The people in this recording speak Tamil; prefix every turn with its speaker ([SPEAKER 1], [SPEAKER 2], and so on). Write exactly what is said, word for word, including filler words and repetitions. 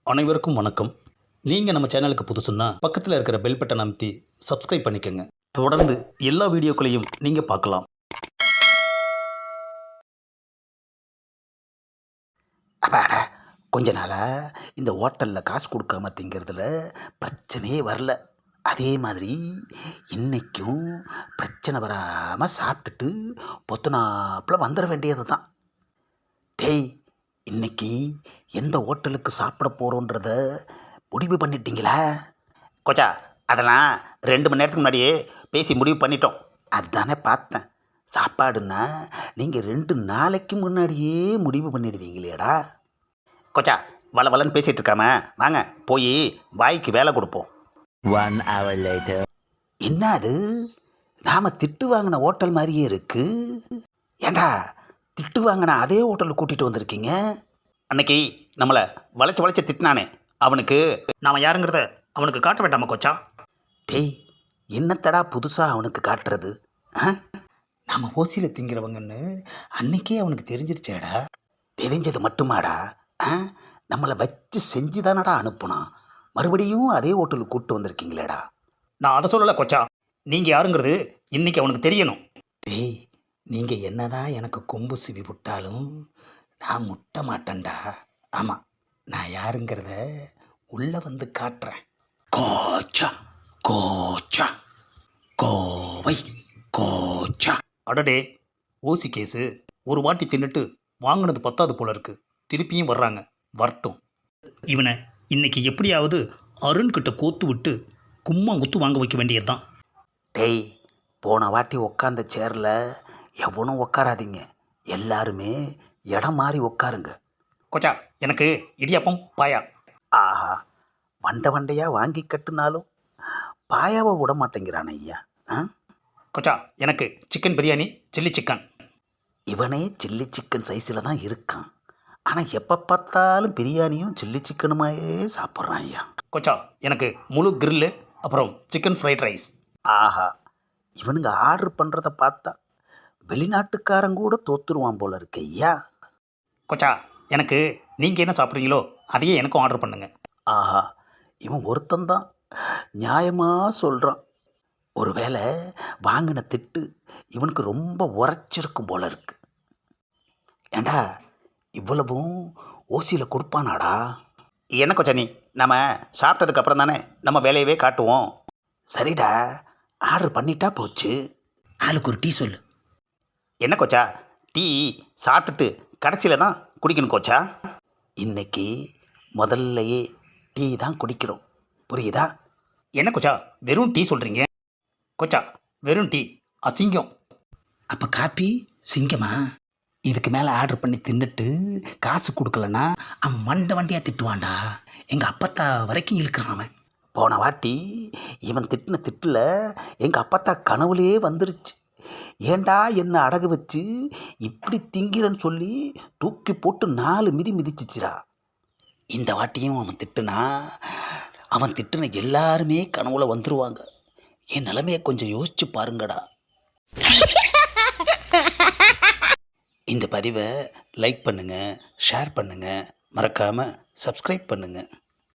[SPEAKER 1] அனைவருக்கும் வணக்கம். நீங்கள் நம்ம சேனலுக்கு புதுசுன்னா பக்கத்தில் இருக்கிற பெல் பட்டனை அமைத்தி சப்ஸ்கிரைப் பண்ணிக்கோங்க. தொடர்ந்து எல்லா வீடியோக்களையும் நீங்கள் பார்க்கலாம்.
[SPEAKER 2] அப்பாடா, கொஞ்ச நாளாக இந்த ஹோட்டலில் காசு கொடுக்காம திங்கிறதுல பிரச்சனையே வரல. அதே மாதிரி இன்னைக்கும் பிரச்சனை வராமல் சாப்பிட்டுட்டு பொத்துனாப்பில் வந்துட வேண்டியது தான். டேய், இன்னைக்கு எந்த ஹோட்டலுக்கு சாப்பிட போகிறோன்றத முடிவு பண்ணிட்டீங்களா? கொச்சா, அதெல்லாம் ரெண்டு மணி நேரத்துக்கு முன்னாடியே பேசி முடிவு பண்ணிட்டோம். அதானே பார்த்தேன். சாப்பாடுன்னா நீங்கள் ரெண்டு நாளைக்கு முன்னாடியே முடிவு பண்ணிடுவீங்களேடா. கொச்சா, வள வளன்னு பேசிகிட்டு இருக்காம வாங்க போய் வாய்க்கு வேலை கொடுப்போம்.
[SPEAKER 3] One hour later.
[SPEAKER 2] என்ன அது, நாம் திட்டு வாங்கின ஹோட்டல் மாதிரியே இருக்கு. ஏண்டா, திட்டு வாங்கின அதே ஹோட்டலுக்கு கூட்டிகிட்டு வந்திருக்கீங்க?
[SPEAKER 1] அன்னைக்கு நம்மளை வளைச்சு வளைச்சு திட்டினானே, அவனுக்கு நாம் யாருங்கிறத அவனுக்கு காட்ட வேண்டாமா கொச்சா?
[SPEAKER 2] டேய், என்னத்தடா புதுசாக அவனுக்கு காட்டுறது? ஆ,
[SPEAKER 1] நம்ம ஓசியில் திங்கிறவங்கன்னு அன்னைக்கே அவனுக்கு தெரிஞ்சிருச்சேடா.
[SPEAKER 2] தெரிஞ்சது மட்டுமாடா? ஆ, நம்மளை வச்சு செஞ்சு தானடா அனுப்புனான். மறுபடியும் அதே ஹோட்டலுக்கு கூப்பிட்டு வந்திருக்கீங்களேடா.
[SPEAKER 1] நான் அதை சொல்லலை கொச்சா, நீங்கள் யாருங்கிறது இன்னைக்கு அவனுக்கு தெரியணும்.
[SPEAKER 2] டேய், நீங்கள் என்னதான் எனக்கு கொம்பு சிவி விட்டாலும் நான் முட்ட மாட்டேன்டா. ஆமாம், நான் யாருங்கிறத உள்ளே வந்து காட்டுறேன். கோச்சா கோச்சா கோவை கோச்சா.
[SPEAKER 1] அடடே, ஓசி கேஸு ஒரு வாட்டி தின்னுட்டு வாங்கினது பத்தாது போல இருக்கு. திருப்பியும் வர்றாங்க, வரட்டும். இவனை இன்னைக்கு எப்படியாவது அருண்கிட்ட கோத்து விட்டு கும்மா குத்து வாங்க வைக்க வேண்டியது தான்.
[SPEAKER 2] டேய், போன வாட்டி உக்காந்த சேரில் எவனும் உக்காராதீங்க. எல்லாருமே இடம் மாறி உட்காருங்க.
[SPEAKER 1] கொச்சா, எனக்கு இடியாப்பம் பாயா.
[SPEAKER 2] ஆஹா, வண்டை வண்டையாக வாங்கி கட்டுனாலும் பாயாவை விட மாட்டேங்கிறான் ஐயா. ஆ,
[SPEAKER 1] கொச்சா, எனக்கு சிக்கன் பிரியாணி, சில்லி சிக்கன்.
[SPEAKER 2] இவனே சில்லி சிக்கன் சைஸில் தான் இருக்கான். ஆனால் எப்போ பார்த்தாலும் பிரியாணியும் சில்லி சிக்கனுமாயே சாப்பிட்றான் ஐயா.
[SPEAKER 1] கொச்சா, எனக்கு முழு கிரில்லு, அப்புறம் சிக்கன் ஃப்ரைட் ரைஸ்.
[SPEAKER 2] ஆஹா, இவனுங்க ஆர்டர் பண்ணுறத பார்த்தா வெளிநாட்டுக்காரன் கூட தோத்துருவான் போல இருக்கு ஐயா.
[SPEAKER 1] கொச்சா, எனக்கு நீங்கள் என்ன சாப்பிட்றீங்களோ அதையே எனக்கும் ஆர்டர் பண்ணுங்க.
[SPEAKER 2] ஆஹா, இவன் ஒருத்தந்தான் நியாயமாக சொல்கிறான். ஒருவேளை வாங்கின திட்டு இவனுக்கு ரொம்ப உரைச்சிருக்கும் போல இருக்கு. ஏண்டா, இவ்வளவும் ஓசியில் கொடுப்பானாடா?
[SPEAKER 1] என்ன கொச்சா, நீ நம்ம சாப்பிட்டதுக்கு அப்புறம் தானே நம்ம வேலையவே காட்டுவோம்.
[SPEAKER 2] சரிடா, ஆர்டர் பண்ணிட்டா போச்சு. ஆளுக்கு ஒரு டீ சொல்லு.
[SPEAKER 1] என்ன கொச்சா, டீ சாப்பிட்டுட்டு கடைசியில் தான் குடிக்கணும் கொச்சா.
[SPEAKER 2] இன்னைக்கு முதல்லையே டீ தான் குடிக்கிறோம், புரியுதா?
[SPEAKER 1] என்ன கொச்சா, வெறும் டீ சொல்கிறீங்க? கொச்சா, வெறும் டீ அசிங்கம்.
[SPEAKER 2] அப்போ காப்பி சிங்கமா? இதுக்கு மேலே ஆர்டர் பண்ணி தின்னுட்டு காசு கொடுக்கலன்னா அவன் மண்டை வண்டியாக திட்டுவான்டா. எங்கள் அப்பத்தா வரைக்கும் இழுக்கிறான் அவன். போன வாட்டி இவன் திட்டின திட்டில் எங்கள் அப்பத்தா கனவுலேயே வந்துருச்சு. ஏண்டா என்ன அடகு வச்சு இப்படி திங்கிறன்னு சொல்லி தூக்கி போட்டு நாலு மிதி மிதிச்சிச்சிரா. இந்த வாட்டியும் அவன் திட்டுனா அவன் திட்டுன எல்லாருமே கனவுல வந்துருவாங்க. என் நிலைமையை கொஞ்சம் யோசிச்சு பாருங்கடா. இந்த பதிவை லைக் பண்ணுங்கள், ஷேர் பண்ணுங்கள், மறக்காமல் சப்ஸ்கிரைப் பண்ணுங்கள்.